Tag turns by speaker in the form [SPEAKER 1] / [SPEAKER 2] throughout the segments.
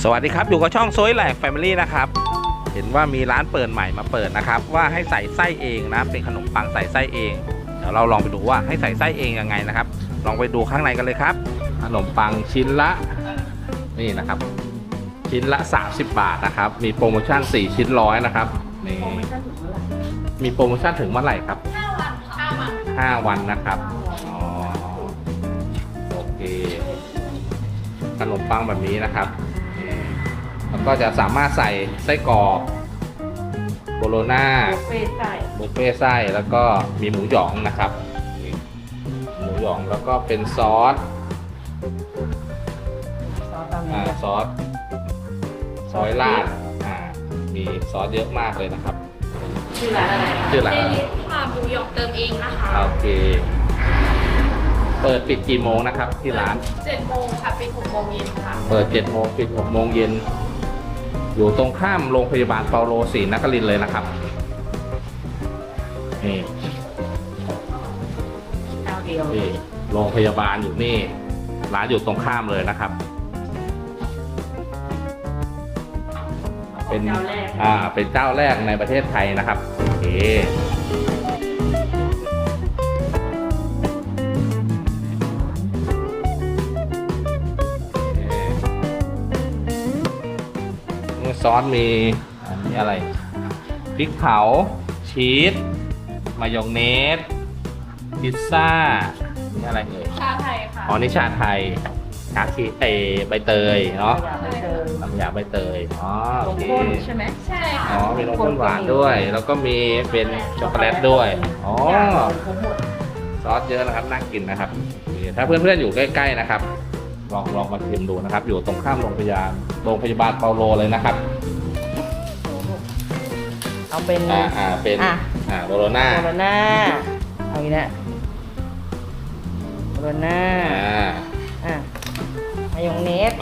[SPEAKER 1] สวัสดีครับอยู่กับช่องโซยแหลกแฟมิลี่นะครับเห็นว่ามีร้านเปิดใหม่มาเปิดนะครับว่าให้ใส่ไส้เองนะเป็นขนมปังใส่ไส้เองเดี๋ยวเราลองไปดูว่าให้ใส่ไส้เองยังไงนะครับลองไปดูข้างในกันเลยครับขนมปังชิ้นละนี่นะครับชิ้นละ30 บาทนะครับมีโปรโมชั่น4ชิ้นร้อยนะครับนี่มีโปรโมชั่นถึงเมื่อไหร่ครับ5 วันนะครับอ๋อโอเคขนมปังแบบนี้นะครับแล้วก็จะสามารถใส่ไส้กรอกโบโลน่าบุฟเฟ่ไส้แล้วก็มีหมูหยองนะครับหมูหยองแล้วก็เป็นซอสซอยราดมีซอสเยอะมากเลยนะครับ
[SPEAKER 2] ชื่อร้านอะไร
[SPEAKER 1] ชื่อร้าน
[SPEAKER 2] หมูหยองเติมเองนะคะ
[SPEAKER 1] โอเคเปิดปิดกี่โมงนะครับที่ร้าน
[SPEAKER 2] 7 โมงค่ะปิด6 โมงเย็นค่ะ
[SPEAKER 1] เปิด7 โมงปิด6 โมงเย็นอยู่ตรงข้ามโรงพยาบาลเปาโลศรีนครินทร์เลยนะครับนี่โรงพยาบาลอยู่นี่ร้านอยู่ตรงข้ามเลยนะครับเป็นเป็นเจ้าแรกในประเทศไทยนะครับโอเคซอสมีอันนี้อะไรพริกเผาชีสมายองเนสพิซซ่านี่อะไรเอ่ย
[SPEAKER 2] ชาไทยค่ะ
[SPEAKER 1] อ๋อนี่ชาไทยชาชีสใบเตยเนาะน้ำยาใบเตยอ๋อโอเค
[SPEAKER 2] ใช่ไหมใช่ค่ะ
[SPEAKER 1] อ๋อมีนมข้นหวานด้วยแล้วก็มีเป็นช็อกโกแลตด้วยอ๋อซอสเยอะนะครับน่ากินนะครับถ้าเพื่อนๆอยู่ใกล้ๆนะครับลองมาชิมดูนะครับอยู่ตรงข้ามโรงพยาบาลเปาโลเลยนะครับ
[SPEAKER 3] เอาเป็น
[SPEAKER 1] เป็นโบโลน่า
[SPEAKER 3] เอาอีกแล้วโบโลน่ามายองเนส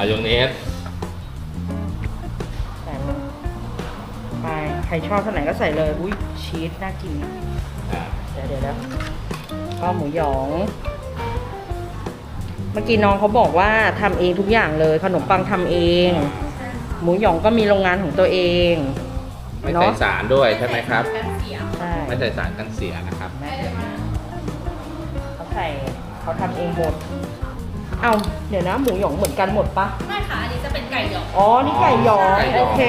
[SPEAKER 3] ใส่ไปใครชอบเท่าไหร่ก็ใส่เลยอุ้ยชีสน่ากินเดี๋ยวก็หมูหยองเมื่อกี้น้องเขาบอกว่าทำเองทุกอย่างเลยขนมปังทำเองหมูหยองก็มีโรงงานของตัวเอง
[SPEAKER 1] ไม่ใส่สารด้วยใช่ไหมครับ
[SPEAKER 3] ใช่
[SPEAKER 1] ไม่ใส่สารกันเสียนะครับ
[SPEAKER 3] เขาทำเองหมดเอาเดี๋ยวนะหมูหยองเหมือนกันหมดปะ
[SPEAKER 2] ไม่ค่ะอันนี้จะเป็นไก่หยอง
[SPEAKER 3] อ๋อนี่ไก่หยองโอเค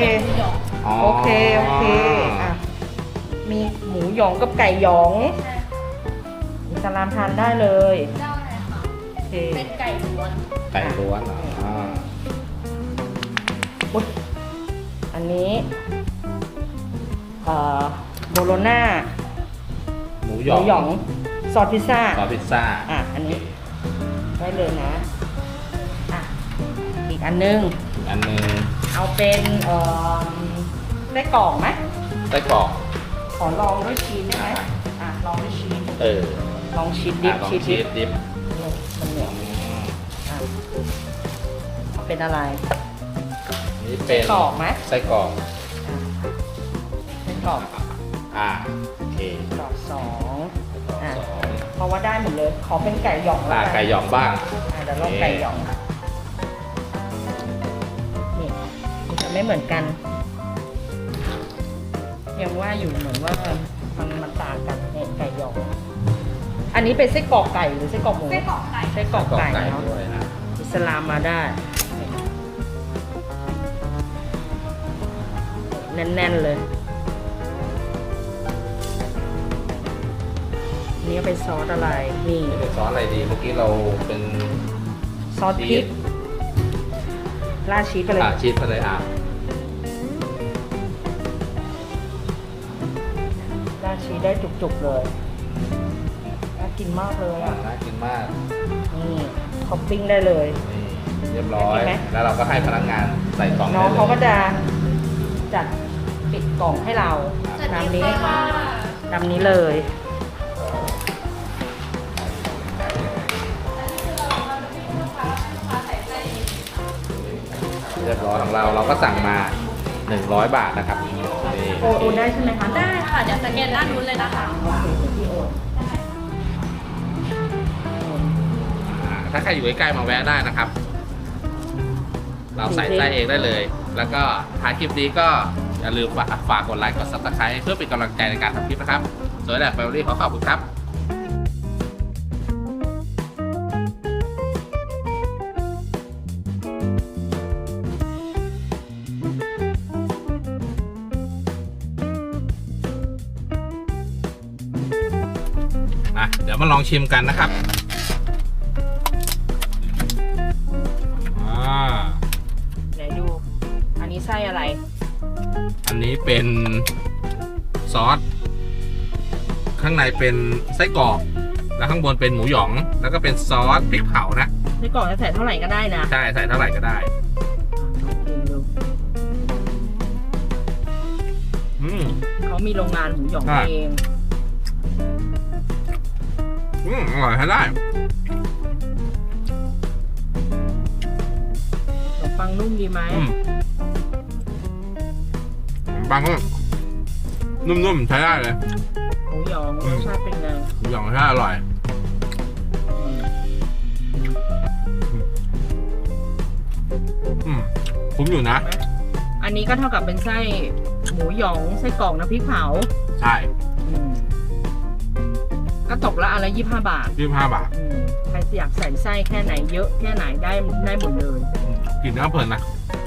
[SPEAKER 3] อ่ะมีหมูหยองกับไก่หยองอิสลามทานได้เลย
[SPEAKER 2] เป็นไก่ล้วน
[SPEAKER 3] อันนี้โบโลน่า
[SPEAKER 1] หมูหยอง
[SPEAKER 3] ซอสพิซซ่าอันนี้ได้เลยนะอีกอันนึงเอาเป็นไส้กรอกไหม
[SPEAKER 1] ไส้กรอก
[SPEAKER 3] ขอลองด้วยชีสได้ไหมลองด้วยชีสลองชีสดิบมันเหนียวเป็นอะไร
[SPEAKER 1] นี่เป็น
[SPEAKER 3] ไส้กรอกไหม
[SPEAKER 1] ไส้กรอก
[SPEAKER 3] โอเคกรอก2เพราะว่าได้หมดเลยขอเป็นไก่หยอง
[SPEAKER 1] ไก่หยองบ้าง
[SPEAKER 3] เดี๋ยวลองไก่หยองนี่มันจะไม่เหมือนกันยังว่าอยู่เหมือนว่ามันต่างกันเนี่ยไก่หยองอันนี้เป็นไส้กรอกไก่หรือไส้กรอกหมู
[SPEAKER 2] ไส้กรอกไก่
[SPEAKER 3] เนาะอิสลามมาได้แน่นๆเลยนี่เป็นซอสอะไรนี่
[SPEAKER 1] เป็นซอสอะไรดีเมื่อกี้เราเป็น
[SPEAKER 3] ซอสพริกราดชีสไปเลย
[SPEAKER 1] ชีสไปเลย
[SPEAKER 3] ราดชีสได้จุกๆเลยน่ากินมากเลย
[SPEAKER 1] น่ากินมาก
[SPEAKER 3] นี่ท็อปปิ้งได้เลย
[SPEAKER 1] เรียบร้อยแล้วเราก็ให้พนักงานใส่กล่อง
[SPEAKER 3] น้องเขาก็จะจัดปิดกล่องให้เราตามนี้เลย
[SPEAKER 1] เรียบร้อยของเราก็สั่งมา100 บาทนะครับ
[SPEAKER 3] โอนได้ใช่ไหมคะ
[SPEAKER 2] ได้ค่ะเดี๋ยวสแกนด้านนู้นเลยนะคะ
[SPEAKER 1] ถ้าใครอยู่ใกล้ๆมาแวะได้นะครับเราใส่ไส้เองได้เลย แล้วก็ท้ายคลิปนี้ก็อย่าลืมฝากกดไลค์กด Subscribe เพื่อเป็นกำลังใจในการทำคลิปนะครับสวยแหละแฟมิลี่ขอขอบคุณครับเดี๋ยวมาลองชิมกันนะครับ
[SPEAKER 3] ไหนดู อันนี้ไส้อะไร
[SPEAKER 1] อันนี้เป็นซอสข้างในเป็นไส้กรอกแล้วข้างบนเป็นหมูหยองแล้วก็เป็นซอสพริกเผานะ
[SPEAKER 3] ไส้กรอกจะใส่เท่าไหร่ก็ได้นะ
[SPEAKER 1] ใช่ใส่เท่าไหร่ก็ได้
[SPEAKER 3] เขามีโรงงานหมูหยองเอง
[SPEAKER 1] อร่อยใช้ได้
[SPEAKER 3] ขนมปังนุ่มดีไหม
[SPEAKER 1] ปังก็นุ่มๆใช้ได้เลย
[SPEAKER 3] หมูหยองรสชาติเป็นไง
[SPEAKER 1] หมูหยองรสชาติอร่อยคุ้มอยู่นะ
[SPEAKER 3] อันนี้ก็เท่ากับเป็นไส้หมูหยองไส้กรอกน้ำพริกเผา
[SPEAKER 1] ใช่
[SPEAKER 3] ก็ตกละอันละ25 บาท
[SPEAKER 1] 25 บาท
[SPEAKER 3] ใครอยากใส่ไส้แค่ไหนเยอะแค่ไหนได้หมดเลย
[SPEAKER 1] กินแล้วเพลินนะ